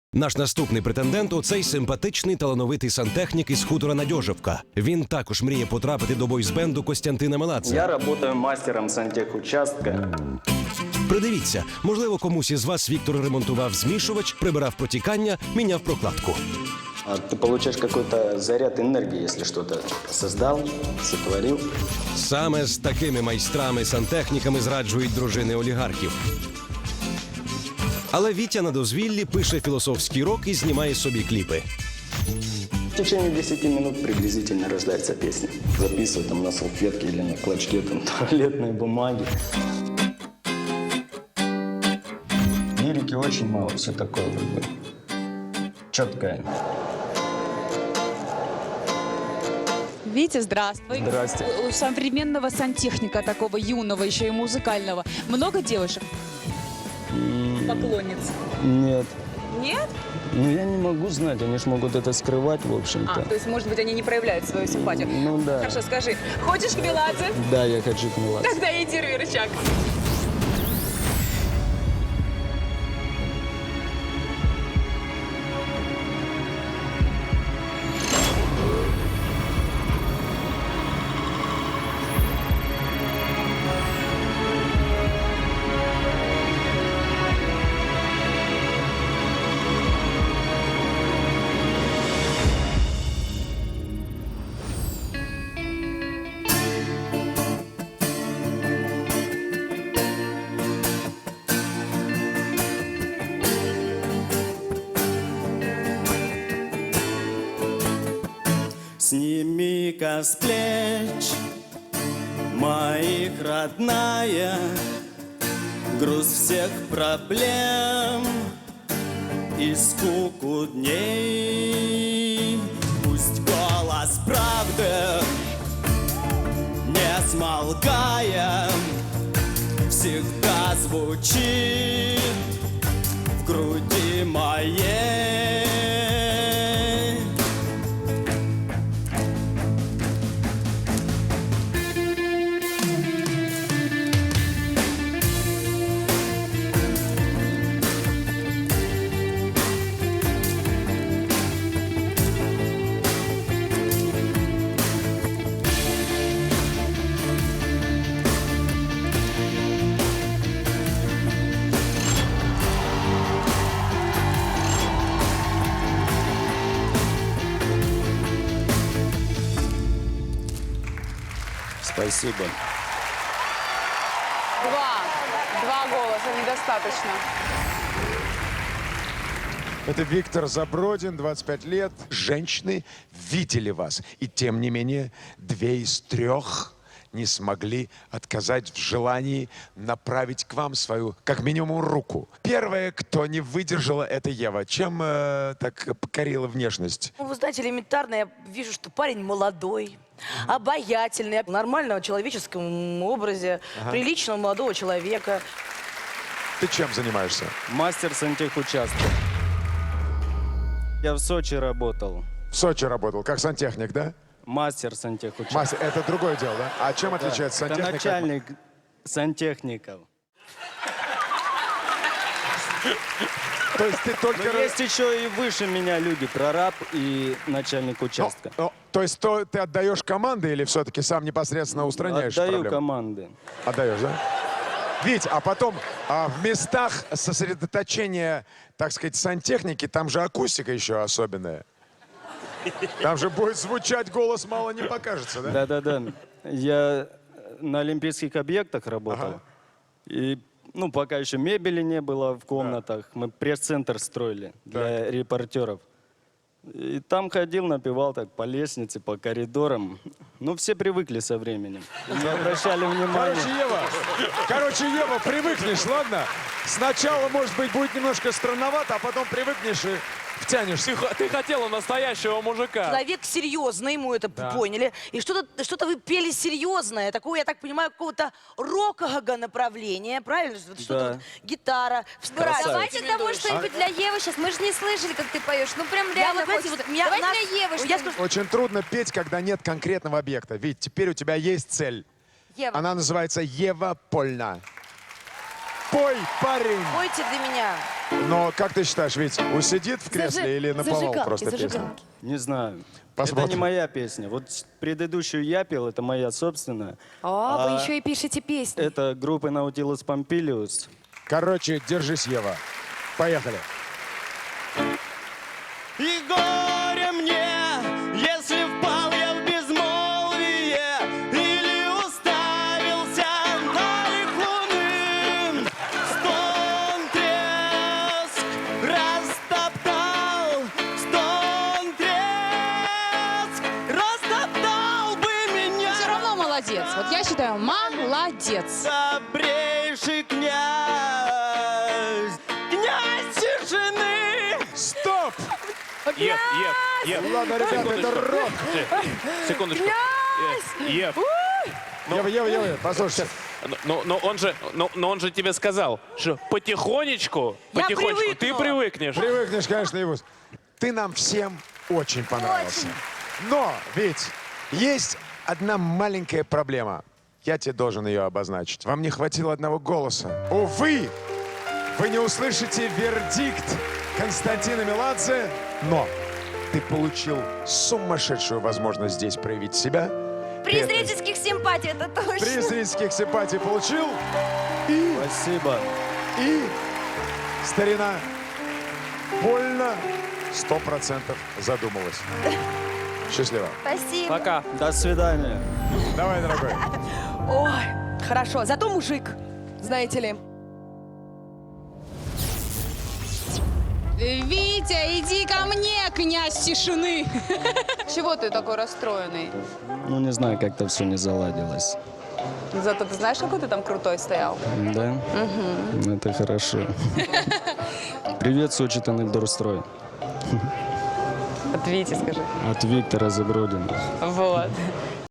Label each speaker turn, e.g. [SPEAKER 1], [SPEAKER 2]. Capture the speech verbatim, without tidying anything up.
[SPEAKER 1] Наш наступний претендент – оцей симпатичний талановитий сантехнік із хутора Надьожівка. Він також мріє потрапити до бойсбенду Костянтина Меладзе.
[SPEAKER 2] Я працюю мастером сантехучастка.
[SPEAKER 1] Придивіться, можливо, комусь із вас Віктор ремонтував змішувач, прибирав протікання, міняв прокладку.
[SPEAKER 2] А ты получаешь какой-то заряд энергии, если что-то создал, сотворил.
[SPEAKER 1] Саме з такими майстрами-сантехніками зраджують дружини олігархів. Але Вітя на дозвіллі пише філософський рок і знімає собі кліпи.
[SPEAKER 2] В течение десяти минут приблизительно рождается песня. Записываю там на салфетке или на клочке там туалетной бумаги. Лирики очень мало, все такое как бы четкое.
[SPEAKER 3] Витя, здравствуй.
[SPEAKER 2] Здрасте.
[SPEAKER 3] У современного сантехника, такого юного, еще и музыкального, много девушек? Поклонниц?
[SPEAKER 2] Нет.
[SPEAKER 3] Нет?
[SPEAKER 2] Ну, я не могу знать, они же могут это скрывать, в общем-то.
[SPEAKER 3] А, то есть, может быть, они не проявляют свою симпатию?
[SPEAKER 2] Ну да.
[SPEAKER 3] Хорошо, скажи, хочешь к Меладзе?
[SPEAKER 2] Да, я хочу к Меладзе.
[SPEAKER 3] Тогда иди рви рычаг.
[SPEAKER 4] Сними-ка с плеч моих, родная, груз всех проблем и скуку дней. Пусть голос правды, не смолкая, всегда звучит в груди моей.
[SPEAKER 2] Спасибо.
[SPEAKER 3] Два. Два голоса недостаточно.
[SPEAKER 5] Это Виктор Забродин, двадцать пять лет. Женщины видели вас. И тем не менее, две из трех не смогли отказать в желании направить к вам свою, как минимум, руку. Первая, кто не выдержала, это Ева. Чем э, так покорила внешность?
[SPEAKER 6] Ну, вы знаете, элементарно я вижу, что парень молодой, обаятельный, в нормальном человеческом образе,
[SPEAKER 5] Ага.
[SPEAKER 6] приличного молодого человека.
[SPEAKER 5] Ты чем занимаешься?
[SPEAKER 2] Мастер сантехучастка. Я в Сочи работал.
[SPEAKER 5] В Сочи работал, как сантехник, да?
[SPEAKER 2] Мастер сантехучастка.
[SPEAKER 5] Мастер, это другое дело, да? А чем отличается
[SPEAKER 2] Это
[SPEAKER 5] сантехник?
[SPEAKER 2] начальник сантехников.
[SPEAKER 5] То есть ты только...
[SPEAKER 2] Но есть еще и выше меня люди, прораб и начальник участка.
[SPEAKER 5] Ну, то есть то, ты отдаешь команды или все-таки сам непосредственно устраняешь
[SPEAKER 2] Отдаю
[SPEAKER 5] проблемы?
[SPEAKER 2] команды.
[SPEAKER 5] Отдаешь, да? Вить, а потом а, в местах сосредоточения, так сказать, сантехники, там же акустика еще особенная. Там же будет звучать голос, мало не покажется, да?
[SPEAKER 2] Да-да-да. Я на олимпийских объектах работал.
[SPEAKER 5] Ага.
[SPEAKER 2] И, ну, пока еще мебели не было в комнатах, мы пресс-центр строили для репортеров. И там ходил, напевал так по лестнице, по коридорам. Ну, все привыкли со временем. Не обращали внимания.
[SPEAKER 5] Короче, Ева, короче, Ева, привыкнешь, ладно? Сначала, может быть, будет немножко странновато, а потом привыкнешь и втянешься.
[SPEAKER 7] Ты, х- ты хотела настоящего мужика.
[SPEAKER 6] Человек серьезный, ему это поняли. И что-то что вы пели серьезное, такое, я так понимаю, какого-то рокового направления, правильно? Вот что-то
[SPEAKER 2] Да.
[SPEAKER 6] вот, гитара.
[SPEAKER 2] Красавец.
[SPEAKER 8] Давайте того что-нибудь для Евы сейчас. Мы же не слышали, как ты поешь. Ну прям
[SPEAKER 6] Я
[SPEAKER 8] реально
[SPEAKER 6] вот, знаете,
[SPEAKER 8] хочется.
[SPEAKER 6] вот меня-
[SPEAKER 8] Давайте
[SPEAKER 6] нас-
[SPEAKER 8] для Евы
[SPEAKER 6] я
[SPEAKER 8] что-нибудь.
[SPEAKER 6] скажу,
[SPEAKER 5] Очень трудно петь, когда нет конкретного объекта. Ведь теперь у тебя есть цель.
[SPEAKER 8] Ева.
[SPEAKER 5] Она называется Ева Польна. Пой, парень!
[SPEAKER 6] Пойте для меня.
[SPEAKER 5] Но как ты считаешь, Вить, усидит в кресле
[SPEAKER 8] Зажи-
[SPEAKER 5] или наповал
[SPEAKER 8] зажигалки,
[SPEAKER 5] просто песню?
[SPEAKER 8] зажигалки.
[SPEAKER 2] Не знаю.
[SPEAKER 5] Посмотрим.
[SPEAKER 2] Это не моя песня. Вот с- предыдущую я пел, это моя собственная.
[SPEAKER 8] А, вы
[SPEAKER 2] А
[SPEAKER 8] еще и пишете песни.
[SPEAKER 2] Это группа Nautilus Pompilius.
[SPEAKER 5] Короче, держись, Ева. Поехали.
[SPEAKER 4] И горе мне, если впал я в безмолвие или уставился на лик луны. Стон, треск растоптал, стон, треск растоптал бы меня.
[SPEAKER 3] Все равно молодец. Вот я считаю, молодец.
[SPEAKER 4] Добрейший князь, князь тишины.
[SPEAKER 5] Стоп!
[SPEAKER 7] Ев, Ев, Ев.
[SPEAKER 5] Ладно, ребята, это рок.
[SPEAKER 7] Секундочку. Э, Ев.
[SPEAKER 5] Ева, Ева, Ева, послушайте.
[SPEAKER 7] Но, но он же, но, но он же тебе сказал, что потихонечку,
[SPEAKER 6] Я
[SPEAKER 7] потихонечку ты
[SPEAKER 6] привыкну.
[SPEAKER 7] привыкнешь.
[SPEAKER 5] Привыкнешь, конечно, Евус. Ты нам всем очень понравился. Но, ведь есть одна маленькая проблема. Я тебе должен ее обозначить. Вам не хватило одного голоса. Увы, вы не услышите вердикт Константина Меладзе, но ты получил сумасшедшую возможность здесь проявить себя.
[SPEAKER 8] При
[SPEAKER 5] Ты это
[SPEAKER 8] зрительских симпатий, это точно.
[SPEAKER 5] Приз зрительских симпатий получил. И,
[SPEAKER 2] Спасибо.
[SPEAKER 5] и старина больно сто процентов задумалась. Счастливо.
[SPEAKER 8] Спасибо.
[SPEAKER 2] Пока. До свидания.
[SPEAKER 5] Давай, дорогой.
[SPEAKER 9] Ой, хорошо. Зато мужик, знаете ли.
[SPEAKER 3] Витя, иди ко мне, князь тишины. Чего ты такой расстроенный?
[SPEAKER 2] Ну, не знаю, как-то все не заладилось.
[SPEAKER 9] Зато ты знаешь, какой ты там крутой стоял?
[SPEAKER 2] Да? Угу. Это хорошо. Привет, Сочи Тоннельдорстрой.
[SPEAKER 9] От Вити скажи.
[SPEAKER 2] От Виктора Забродина.
[SPEAKER 9] Вот.